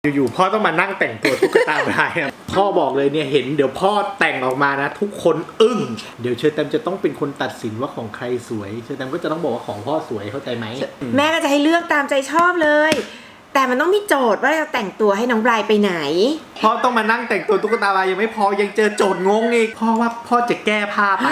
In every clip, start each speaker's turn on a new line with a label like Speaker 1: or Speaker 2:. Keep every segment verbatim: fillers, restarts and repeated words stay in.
Speaker 1: อยู่ๆพ่อต้องมานั่งแต่งตัวตุ๊กตาบรายครับพ่อบอกเลยเนี่ยเห็นเดี๋ยวพ่อแต่งออกมานะทุกคนอึ้งเดี๋ยวเชอแตมจะต้องเป็นคนตัดสินว่าของใครสวยเชอแตมก็จะต้องบอกว่าของพ่อสวยเข้าใจไหม
Speaker 2: แม่ก็จะให้เลือกตามใจชอบเลยแต่มันต้องมีโจทย์ว่าจะแต่งตัวให้น้องบรายไปไหน
Speaker 1: พ่อต้องมานั่งแต่งตัวตุ๊กตาบรายยังไม่พอยังเจอโจทย์งงอีกพ่อว่าพ่อจะแก้ผ้าไป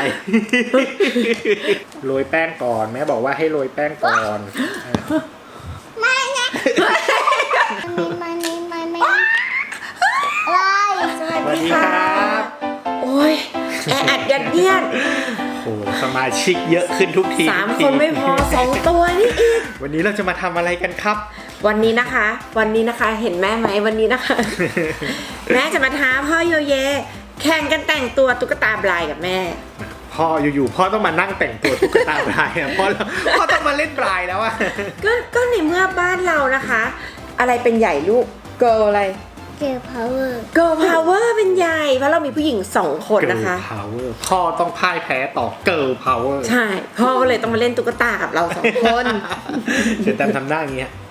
Speaker 1: โรยแป้งก่อนแม่บอกว่าให้โรยแป้งก่อน
Speaker 3: ไม่ไงไม่ไม่ไม่ไม่อะไร
Speaker 2: สวัสดีครับโอ้ยแออัดยัดเยียด
Speaker 1: โอ้สมาชิกเยอะขึ้นทุกที
Speaker 2: สามคนไม่พอสองตัวนี่อีก
Speaker 1: วันนี้เราจะมาทำอะไรกันครับ
Speaker 2: วันนี้นะคะวันนี้นะคะเห็นแม่ไหมวันนี้นะคะ แม่จะมาท้าพ่อโยเยแข่งกันแต่งตัวตุ๊กตาบรายกับแม่
Speaker 1: พ่ออยู่ๆพ่อต้องมานั่งแต่งตัวตุ๊กตาบรายอ่ะพ่อพ่อต้องมาเล่นบรายแล้วอ่ะ
Speaker 2: ก็ก็ในเมื่อบ้านเรานะคะอะไรเป็นใหญ่ลูกเกิร์ลอะไร
Speaker 3: เกิร์ลพาวเวอร์
Speaker 2: เกิร์ลพาวเวอร์เป็นใหญ่เพราะเรามีผู้หญิงสองคนนะคะ
Speaker 1: เกิร์ลพาวเวอร์พ่อต้องพ่ายแพ้ต่อเกิร์ลพาวเวอร์
Speaker 2: ใช่พ่อก็เลยต้องมาเล่นตุ๊กตากับเราสองคน
Speaker 1: เดี๋ยวแตมทำหน้าอย่างเงี้ย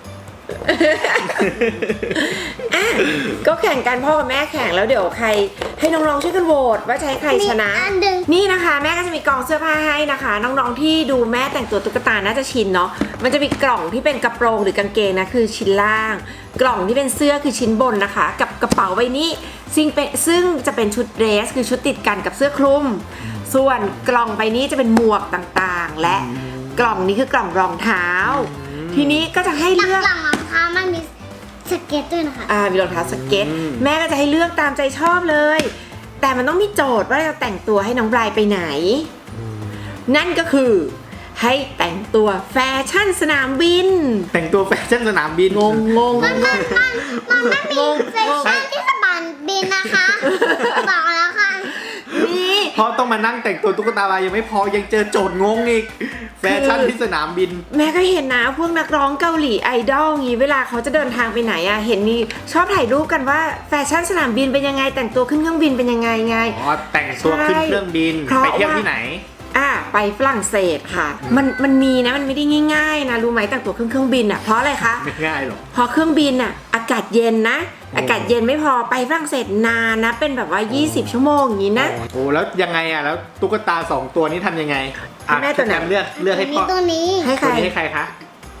Speaker 2: ก็แข่งกันพ่อกับแม่แข่งแล้วเดี๋ยวใครให้น้องๆช่วยกันโหวตว่าจะให้ใครชนะนี่นะคะแม่ก็จะมีกล่องเสื้อผ้าให้นะคะน้องๆที่ดูแม่แต่งตัวตุ๊กตาน่าจะชินเนาะมันจะมีกล่องที่เป็นกระโปรงหรือกางเกงนะคือชิ้นล่างกล่องที่เป็นเสื้อคือชิ้นบนนะคะกับกระเป๋าใบนี้ซึ่งเป็นซึ่งจะเป็นชุดเดรสคือชุดติดกันกับเสื้อคลุมส่วนกล่องใบนี้จะเป็นหมวกต่างๆและกล่องนี้คือกล่องรองเท้าทีนี้ก็จะให้เลือก
Speaker 3: กล่องรองเท้ามันมีสเก็ตด้วยนะคะ
Speaker 2: อ่ามีรองเท้าสเก็ตแม่ก็จะให้เลือกตามใจชอบเลยแต่มันต้องมีโจทย์ว่าจะแต่งตัวให้น้องบรายไปไหนนั่นก็คือให้แต่งตัวแฟชั่นสนามบิน
Speaker 1: แต่งตัวแฟชั่นสนามบิน
Speaker 2: งงงง
Speaker 3: มันมันมันมันไม่มีแฟชั่นที่สนามบินนะคะบอกแล้วค่ะ
Speaker 2: นี่
Speaker 1: พ่อต้องมานั่งแต่งตัวตุ๊กตาบรายยังไม่พอยังเจอโจทย์งงอีกแฟชั่นที่สนามบิน
Speaker 2: แม่ก็เห็นนะพวกนักร้องเกาหลีไอดอลงี้เวลาเขาจะเดินทางไปไหนอะเห็นมีชอบถ่ายรูปกันว่าแฟชั่นสนามบินเป็นยังไงแต่งตัวขึ้นเครื่องบินเป็นยังไงไง
Speaker 1: อ๋อแต่งตัวขึ้นเครื่องบินไปเที่ยวที่ไหน
Speaker 2: อ่าไปฝรั่งเศสค่ะมันมันมีนะมันไม่ได้ง่ายๆนะรู้ไหมแต่งตัวขึ้นเครื่องบินอ่ะเพราะอะไรคะ
Speaker 1: ไม่ง่ายหรอก
Speaker 2: พอเครื่องบินอ่ะอากาศเย็นนะอากาศเย็นไม่พอไปฝรั่งเศสนานนะเป็นแบบว่ายี่สิบชั่วโมงอย่างนี้นะ
Speaker 1: โอ้แล้วยังไงอ่ะแล้วตุ๊กตาสองตัวนี้ทำยังไง
Speaker 2: แม่ตัวไหน
Speaker 1: เลือกเลือกให้พ่อ
Speaker 3: ตัวนี้
Speaker 2: ให้ใคร
Speaker 1: ให้ใครคะ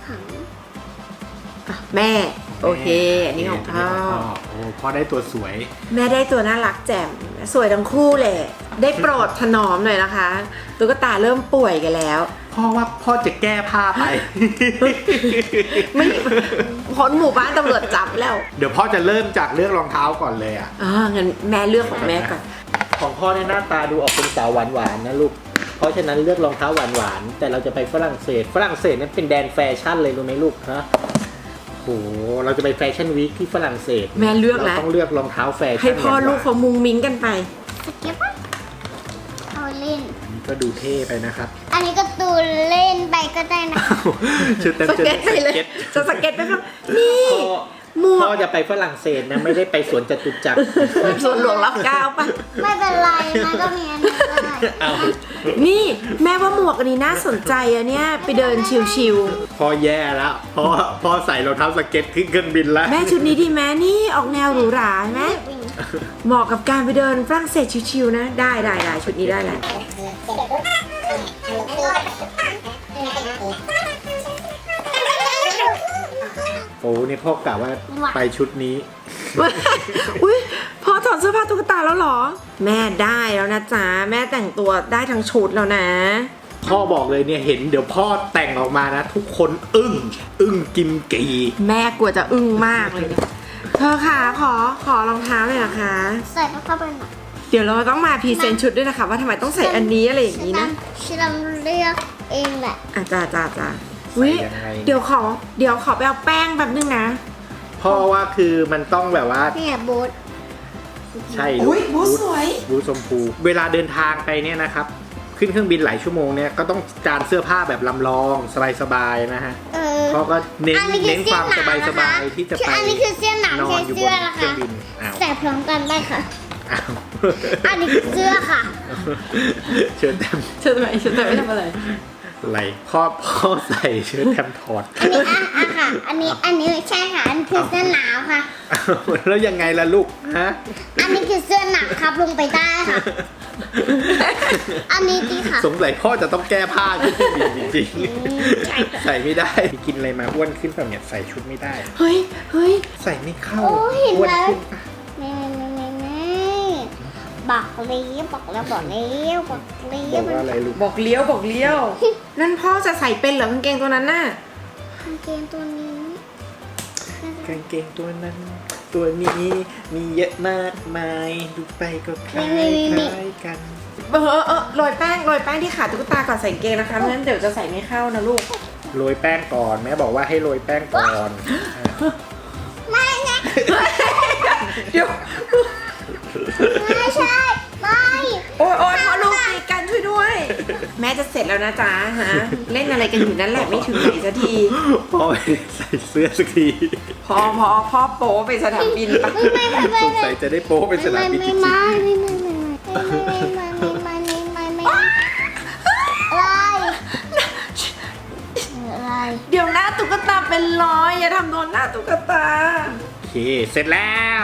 Speaker 2: แม่โอเคอันนี้ของพ่อ
Speaker 1: โอ้พ่อได้ตัวสวย
Speaker 2: แม่ได้ตัวน่ารักแจ่มสวยทั้งคู่เลยได้โปรดถนอมหน่อยนะคะตุ๊กตาเริ่มป่วยกันแล้ว
Speaker 1: พ่อว่าพ่อจะแก้ผ้าไป
Speaker 2: ไม่พ้นหมู่บ้านตำรวจจับแล้ว
Speaker 1: เดี๋ยวพ่อจะเริ่มจากเลือกรองเท้าก่อนเลยอ่ะ
Speaker 2: อ๋องั้นแม่เลือกของแม่ก่อน
Speaker 1: ของพ่อเนี่ยหน้าตาดูออกเป็นสาวหวานๆนะลูกเพราะฉะนั้นเลือกรองเท้าหวานๆแต่เราจะไปฝรั่งเศสฝรั่งเศสนั้นเป็นแดนแฟชั่นเลยรู้ไหมลูกฮะโหเราจะไปแฟชั่นวีคที่ฝรั่งเศส
Speaker 2: แม่เลือกแล้ว
Speaker 1: เราต้องเลือกรองเท้าแฟชั่น
Speaker 2: ให้พ่อลูกเขามุงมิ้งกันไป
Speaker 3: สเก็ตป่ะเอาเล่น
Speaker 1: นี่ก็ดูเท่ไปนะครับ
Speaker 3: อันนี้ก็ตูเล่นไปก็ได้นะ
Speaker 1: ชุดเต็ม
Speaker 2: สเก็ตไปเลยจะสเก็ตไปครับนี่
Speaker 1: พ่อจะไปฝรั่งเศสนะไม่ได้ไปสวนจตุจักร
Speaker 2: สวนหลวงรัชกาลป่ะ
Speaker 3: ไม่เป็นไรนะก็มีอันนี้ได้
Speaker 2: นี่แม่ว่าหมวกอันนี้น่าสนใจอะเนี่ยไปเดินชิว
Speaker 1: ๆพ่อแย่แล้วพ่อพ่อใส่รองเท้าสเก็ตขึ้นเครื่องบินแล้ว
Speaker 2: แม่ชุดนี้ดีไหมนี่ออกแนวหรูหราไหมเหมาะกับการไปเดินฝรั่งเศสชิวๆนะได้ได้ได้ชุดนี้ได้แหละ
Speaker 1: โอ้นี่พ่อกะว่าไปชุดนี้
Speaker 2: อุ้ยพ่อถอดเสื้อผ้าตุ๊กตาแล้วเหรอแม่ได้แล้วนะจ๊ะแม่แต่งตัวได้ทั้งชุดแล้วนะ
Speaker 1: พ่อบอกเลยเนี่ยเห็นเดี๋ยวพ่อแต่งออกมานะทุกคนอึ้งอึ้งกิมกี
Speaker 2: แม่กลัวจะอึ้งมากเลยเนี่ยเธอค่ะขอขอรองเท้าเลยนะคะ
Speaker 3: ใส่เข้าไปหน่อย
Speaker 2: เดี๋ยวเราต้องมาพรีเซนต์ชุดด้วยนะคะว่าทำไมต้องใส่อันนี้อะไรอย่างนี้นะ
Speaker 3: ชิลเลือกเองแหละ
Speaker 2: อ่ะจ้าจ้าจ้าวิเดี๋ยวขอเดี๋ยวขอไปเอาแป้งแป๊บนึงนะ
Speaker 1: เพราะว่าคือมันต้องแบบว่า
Speaker 3: เนี่ยบูท
Speaker 1: ใช่
Speaker 2: อุ้ยบูทสวย
Speaker 1: บูทชมพูเวลาเดินทางไปเนี่ยนะครับขึ้นเครื่องบินหลายชั่วโมงเนี่ยก็ต้องการเสื้อผ้าแบบลำลองสบายๆนะฮะเพราะก็เน้นเน้นความสบายๆที่จะไป
Speaker 3: อันนี้คือเสื้อหนังใช่เสื้อนะคะใส่พร้อมกันได้ค่ะอันนี้คือเสื้อค่ะ
Speaker 1: เชิญแต้ม
Speaker 2: เชิญทำไมเชิญทำไมทำอะไร
Speaker 1: อะไรพ่อพ่อใส่เชิ้ตแทมถอด
Speaker 3: อันนี้อ่ะอ่ะค่ะ อันนี้อันนี้ไม่ใช่ค่ะ อันนี้คือเสื้อหนาวค่ะ
Speaker 1: แล้วยังไงล่ะลูกฮะ
Speaker 3: อันนี้คือเสื้อหนักครับลงไปได้ค่ะ อันนี้ดีค่ะ
Speaker 1: สงสัยพ่อจะต้องแก้ผ้าขึ้นจริงๆใส่ไม่ได้กินอะไรมาอ้วนขึ้นแบบเนี้ยใส่ชุดไม่ได้
Speaker 2: เฮ้ยเฮ้ย
Speaker 1: ใส่ไม่เข้า
Speaker 3: โอ้เห็น
Speaker 1: อ้วน
Speaker 3: แล้ว
Speaker 1: ขึ้นปะ
Speaker 3: นี่นี่นี่นี่บอกเลยบอกแล้วบอกแล้วบอกเล
Speaker 1: บ
Speaker 3: ย
Speaker 1: อกว่าอะไรลูก
Speaker 2: บอกเลี้ยวบอกเลี้ยว นั่นพ่อจะใส่เป็นเหรอกางเกงตัวนั้นน่ะ
Speaker 3: กางเกงตัวนี้
Speaker 1: กางเกงตัวนั้น ตัวนี้มีเยอะมากมายดูไปก็คล้ายคล้ายกัน
Speaker 2: เออเออโรยแป้งโรยแป้งที่ขาตุ๊กตาก่อนใส่กางเกงนะคะไม่งั้นเดี๋ยวจะใส่ไม่เข้านะลูก
Speaker 1: โรยแป้งก่อนแม่บอกว่าให้โรยแป้งก่อน
Speaker 3: ไม่ไง
Speaker 2: เดี๋ยว
Speaker 3: ไม่ใช่ไม่
Speaker 2: โอ้ยโอ้ยพ่อลูกตีกันช่วยด้วย แม่จะเสร็จแล้วนะจ๊ะฮะเล่นอะไรกันอยู่นั่นแหละไม่ถึงไหนสักที
Speaker 1: พ่อไม่ได้ใส่เสื้อสักที
Speaker 2: พอพอพ่อโป๊ไปสนามบินปะ
Speaker 3: ไม่ไม่ไม่
Speaker 1: สงสัยจะได้โป๊เป็นสนามบินจ
Speaker 3: ไม่
Speaker 1: ริง
Speaker 3: ไม่ไม่ไม่ไม่ไม่ไม่ไม่ไม่ไม่ไม่อะไรอะไร
Speaker 2: เดี๋ยวหน้าตุ๊กตาเป็นรอยอย่าทำโดนหน้าตุ๊กตา
Speaker 1: ๆโอเคเสร็จแล้ว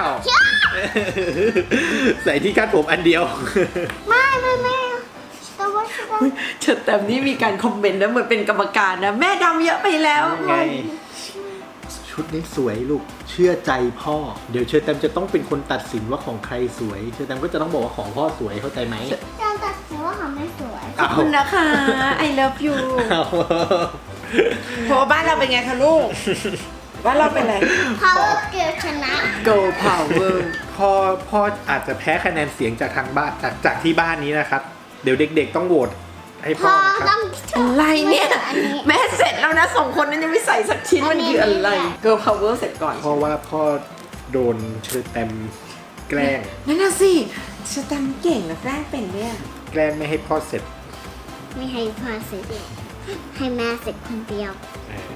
Speaker 1: ใส่ที่คาดผมอันเดียว
Speaker 3: ไม่ไม่ไม่แต่ว่าแต่ว่า
Speaker 2: เชิดแต่นี่มีการคอมเมนต์นะเหมือนเป็นกรรมการนะแม่ดำเยอะไปแล้ว
Speaker 1: ไงชุดนี้สวยลูกเชื่อใจพ่อ เดี๋ยวเชอร์แตมจะต้องเป็นคนตัดสินว่าของใครสวยเชอร์แตมก็จะต้องบอกว่าของพ่อสวยเข้าใจไหม
Speaker 3: เราตัดสินว่าเขาไม่สวย
Speaker 2: ขอบคุณนะคะ I love you
Speaker 1: เอา
Speaker 2: เพราะว่าบ้านเราเป็นไงคะลูก บ้านเราเป็นอะไร
Speaker 3: เขาเกือบชนะ
Speaker 2: Go Power
Speaker 1: พ่อพ่ออาจจะแพ้คะแนนเสียงจากทางบ้านจากจากที่บ้านนี้นะครับ เดี๋ยวเด็กๆต้องโหวตให้
Speaker 3: พ
Speaker 1: พ่อ
Speaker 3: อ
Speaker 1: นะครับ
Speaker 3: ต้อง
Speaker 2: อะไรเนี่ย
Speaker 3: อันนี้
Speaker 2: แม่เสร็จแล้วนะสองคนนั้นยังไม่ใส่สักชิ้น
Speaker 3: อั
Speaker 2: มัน น
Speaker 3: นี้
Speaker 2: คืออะไร
Speaker 3: นี่แหละ
Speaker 2: Go Power เสร็จก่อน
Speaker 1: เพราะว่าพ่อโดนเชอร์แตมแกล้ง
Speaker 2: นั่นน่ะสิสแตมเก่งนะแกล้งเป็นเนี่ย
Speaker 1: แกล้งไม่ให้พ่อเสร็จ
Speaker 3: ไม่ให้พ่อเสร็จให้แม่เสร็จคนเดียว
Speaker 1: เออ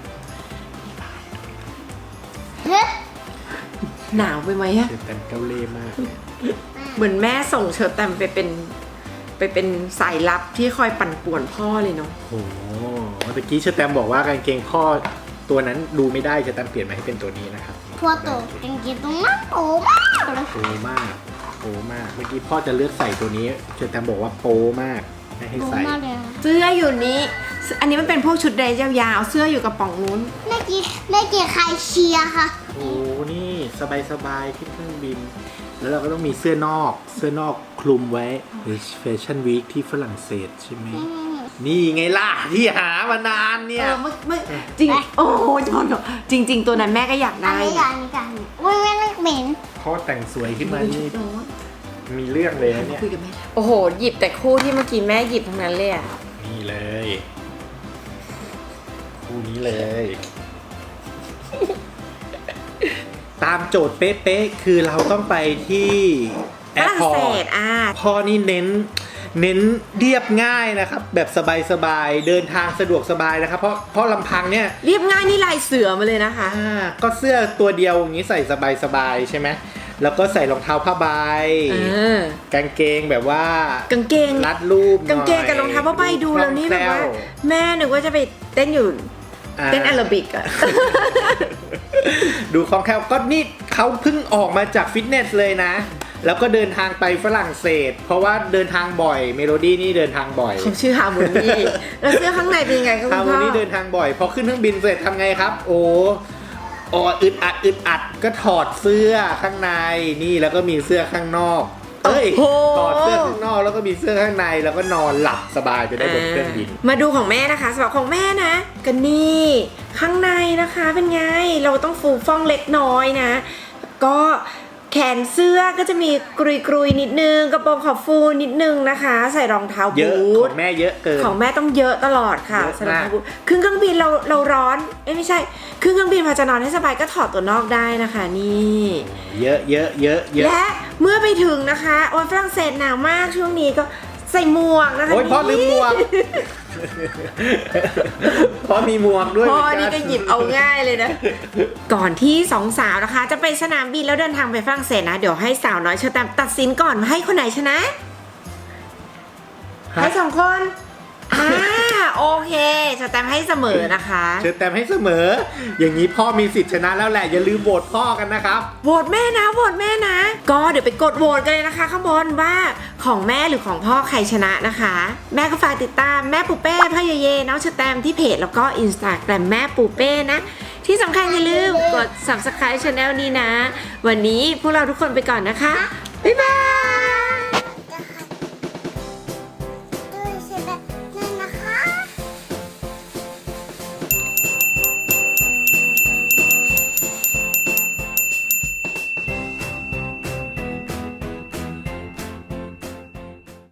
Speaker 3: เฮ้ย
Speaker 2: หนาวไปไหมอะ
Speaker 1: เชอร์แตมเก้าเล่ห์มากเลย
Speaker 2: เหมือนแม่ส่งเชอร์แตมไปเป็นไปเป็นสายลับที่คอยปั่นป่วนพ่อเลยเนาะ
Speaker 1: โอ้โหเมื่อกี้เชอร์แตมบอกว่ากางเกงพ่อตัวนั้นดูไม่ได้เชอร์แตมเปลี่ยนมาให้เป็นตัวนี้นะครับ
Speaker 3: พวกตัวจริงๆตรงนั้นโอ้มากเลย
Speaker 1: โปมากโปมาก เมื่อกี้พ่อจะเลือกใส่ตัวนี้เชอร์แตมบอกว่าโปมากไม่ให้
Speaker 3: โอ้
Speaker 1: ใส่
Speaker 3: มากเลย
Speaker 2: เสื้ออยู่นี้ อันนี้มันเป็นพวกชุดเดรสยาวๆ เสื้ออยู่กระป๋องนู้น
Speaker 3: เมื่อกี้เมื่อกี้ใครเชียร์ค่ะ
Speaker 1: โอ้นี่สบายสบายๆขึ้นเครื่องบิน แล้วเราก็ต้องมีเสื้อนอก เสื้อนอกคลุมไว้แฟชั่นวีคที่ฝรั่งเศสใช่ไหม นี่ไงล่ะที่หามานานเนี่
Speaker 2: เอย อไม่ไม่จริง โอ้โหจอนจริง ๆ ตัวนั้นแม่ก็อยาก
Speaker 3: อัน
Speaker 2: ได้
Speaker 3: นี้กันอันนี้กันอุ้ยแม่ไม่เหม็น
Speaker 1: พ่อแต่งสวยขึ้นมา
Speaker 2: ชุ
Speaker 1: นี่
Speaker 2: ดโน้ต
Speaker 1: มีเรื่องเลยนะเนี่ย
Speaker 2: คุยกับแม่โอ้โห หยิบแต่คู่ที่เมื่อกี้แม่หยิบทั้งนั้นเลยอะ
Speaker 1: นี่เลย คู่นี้เลย ตามโจทย์เป๊ะๆ คือเราต้องไปที่แอ
Speaker 2: ฝ
Speaker 1: ร์
Speaker 2: รั่ง
Speaker 1: พอ
Speaker 2: เศ
Speaker 1: ร์ต
Speaker 2: สอ่ะ
Speaker 1: พ่อนี่เน้น เน้นเรียบง่ายนะครับ แบบสบายๆ เดินทางสะดวกสบายนะครับ เพราะเพราะลำพังเนี่ย
Speaker 2: เรียบง่ายนี่ลายเสือมาเลยนะคะ
Speaker 1: อ่าก็เสื้อตัวเดียวอย่างนี้ใส่สบายๆ ใช่ไหม แล้วก็ใส่รองเท้าผ้าใบ
Speaker 2: อ่า
Speaker 1: กางเกงแบบว่า
Speaker 2: กางเกง
Speaker 1: รัดรูปหน่อย
Speaker 2: กางเกงกับรองเท้าผ้าใบดูแล้วนี่แบบว่า แม่นึกว่าจะไปเต้นอยู่
Speaker 1: อ่า
Speaker 2: เต้นแอโรบิกอะ
Speaker 1: ดูคล่องแคล่วก็นี่เขาเพิ่งออกมาจากฟิตเนสเลยนะ แล้วก็เดินทางไปฝรั่งเศส เพราะว่าเดินทางบ่อยเมโลดี้นี่เดินทางบ่อย
Speaker 2: เขาชื่อฮาร์โมนีแล้วเสื้อข้างในเป็นยังไงครับคุ
Speaker 1: ฮา
Speaker 2: ณ
Speaker 1: ร์โม
Speaker 2: พ่อ
Speaker 1: นี่เดินทางบ่อยพอขึ้นเครื่องบินเสร็จทำไงครับ โอ้อออึดอัดอึดอัดก็ถอดเสื้อข้างในนี่แล้วก็มีเสื้อข้างนอกเอ้ย
Speaker 2: โอ้โห
Speaker 1: ถอดเสื้อข้างนอกแล้วก็มีเสื้อข้างในแล้วก็นอนหลับสบายไปได้บนเครื่องบิน
Speaker 2: มาดูของแม่นะคะสำหรับของแม่นะกันนี่ข้างในนะคะเป็นไงเราต้องฟูฟ่องเล็กน้อยนะ ก็แขนเสื้อก็จะมีกรุยกรุยๆนิดนึงกระโปรงขอบฟูนิดนึงนะคะ ใส่รองเท้า
Speaker 1: เยอะ
Speaker 2: บู
Speaker 1: ข
Speaker 2: ท
Speaker 1: องแม่เยอะเกิน
Speaker 2: ของแม่ต้องเยอะตลอดค่ะ
Speaker 1: เยอะ
Speaker 2: ใส่รอง
Speaker 1: มาก
Speaker 2: เท้าบูทขึ้นเครื่องบินเราเราร้อนเอ้ยไม่ใช่ขึ้นเครื่องบินพอจะนอนให้สบายก็ถอดตัวนอกได้นะคะนี่
Speaker 1: เยอะเยอะเยอะเยอะ
Speaker 2: และเมื่อไปถึงนะคะโอ้ยฝรั่งเศสหนาวมากช่วงนี้ก็ใส่หมวกนะคะ
Speaker 1: โอ้ยพ่อลืมหมวก พ่อมีหมวกด้วย
Speaker 2: พ่อ
Speaker 1: เหมื
Speaker 2: นี่
Speaker 1: กั
Speaker 2: ก็หยิบเอาง่ายเลยนะ ก่อนที่สองสาวนะคะ จะไปสนามบินแล้วเดินทางไปฝรั่งเศสนะ เดี๋ยวให้สาวน้อยเชอแตมตัดสินก่อนว่าให้คนไหนชนะ ให้สองคนอ่าโอเคสแตมป์ให้เสมอนะคะ
Speaker 1: เชิญแต้มให้เสมอ อย่างนี้พ่อมีสิทธิ์ชนะแล้วแหละอย่าลืมโหวตพ่อกันนะครับ
Speaker 2: โหวตแม่นะโหวตแม่นะ ก็เดี๋ยวไปกดโหวตกันเลยนะคะข้างบนว่าของแม่หรือของพ่อใครชนะนะคะ แม่ก็ฝากติดตามแม่ปูเป้พ่อเยเย่น้องสแตมป์ที่เพจแล้วก็อินสตาแกรมแม่ปูเป้นะ ที่สำคัญอย่าลืมกด ซับสไครบ์ ชาแนลนี้นะ วันนี้พวกเราทุกคนไปก่อนนะคะ บ๊ายบาย